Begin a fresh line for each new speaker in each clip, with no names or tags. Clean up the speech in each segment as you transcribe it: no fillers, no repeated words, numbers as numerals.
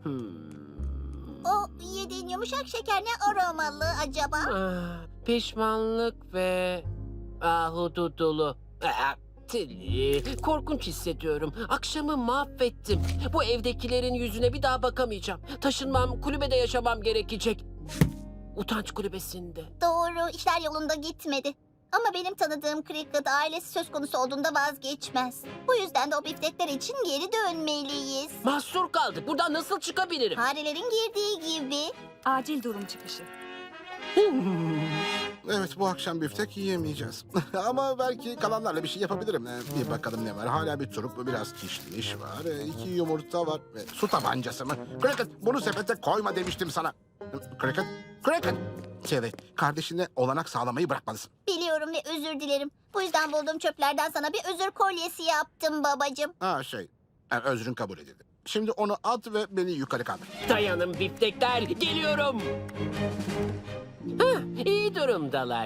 O yediğin yumuşak şeker ne aromalı acaba?
Pişmanlık ve ahududulu. Tilly, korkunç hissediyorum. Akşamı mahvettim. Bu evdekilerin yüzüne bir daha bakamayacağım. Taşınmam, kulübede yaşamam gerekecek. Utanç kulübesinde.
Doğru, işler yolunda gitmedi. Ama benim tanıdığım Cricket ailesi söz konusu olduğunda vazgeçmez. Bu yüzden de o biftekler için geri dönmeliyiz.
Mahsur kaldık. Buradan nasıl çıkabilirim?
Farelerin girdiği gibi.
Acil durum çıkışı.
Evet, bu akşam biftek yiyemeyeceğiz. Ama belki kalanlarla bir şey yapabilirim. Bir bakalım ne var. Hala bir turp, biraz kişniş var. 2 yumurta var. Su tabancası mı? Cricket, bunu sepete koyma demiştim sana. Cricket, Cricket. Tilly, kardeşine olanak sağlamayı bırakmalısın.
Biliyorum ve özür dilerim. Bu yüzden bulduğum çöplerden sana bir özür kolyesi yaptım babacığım.
Özrün kabul edildi. Şimdi onu at ve beni yukarı kaldır.
Dayanın biftekler, geliyorum. İyi durumdalar.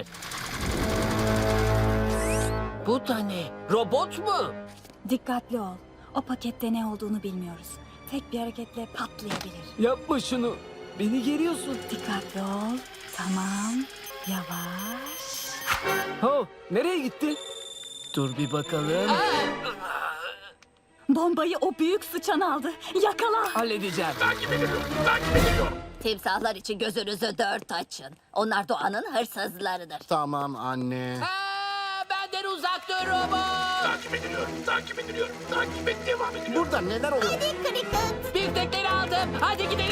Bu da ne? Robot mu?
Dikkatli ol. O pakette ne olduğunu bilmiyoruz. Tek bir hareketle patlayabilir.
Yapma şunu. Beni geriyorsun.
Dikkatli ol. Tamam. Yavaş.
Oh, nereye gitti? Dur bir bakalım.
Bombayı o büyük sıçan aldı. Yakala.
Halledeceğim.
Timsahlar için gözünüzü dört açın. Onlar doğanın hırsızlarıdır.
Tamam anne.
Benden uzak dur robot.
Takip et, devam ediliyor.
Burada neler oluyor?
Hadi Cricket.
Biftekleri aldım. Hadi gidelim.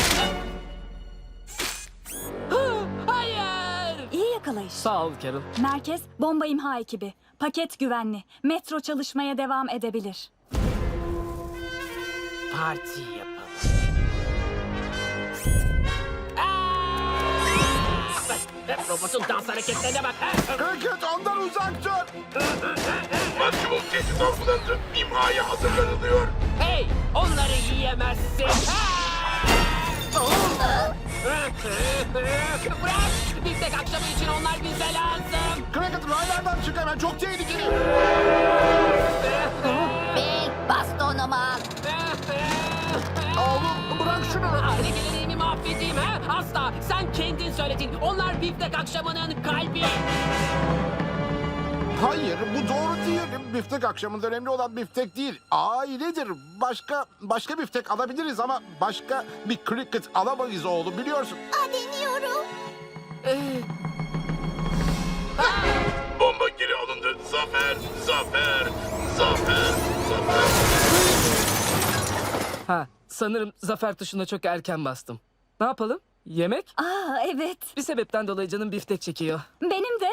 Hayır.
İyi yakalayış.
Sağ ol Carol.
Merkez bomba imha ekibi. Paket güvenli. Metro çalışmaya devam edebilir.
Parti yapalım. Robotun dans hareketlerine bak.
Cricket, ondan uzak dur.
Maksimum tehdit algılandı. İmhaya hazırlanılıyor.
Hey, onları yiyemezsin. Bırak. Biftek akşamı için onlar bize lazım.
Cricket, raylardan çık hemen. Çok tehlikeli.
Big bastonumu al.
Oğlum, bırak şunu.
Aile geleneğimi mahvedeyim ha? Asla. Sen kendin söyledin. Onlar biftek akşamının kalbi.
Hayır, bu doğru değil. Biftek akşamında önemli olan biftek değil. Ailedir. Başka biftek alabiliriz ama başka bir Cricket alamayız oğlum, biliyorsun.
Deniyorum.
Bomba geri alındı. Zafer, zafer, zafer, zafer.
Ha, sanırım zafer tuşuna çok erken bastım. Ne yapalım? Yemek?
Aa evet.
Bir sebepten dolayı canım biftek çekiyor.
Benim de.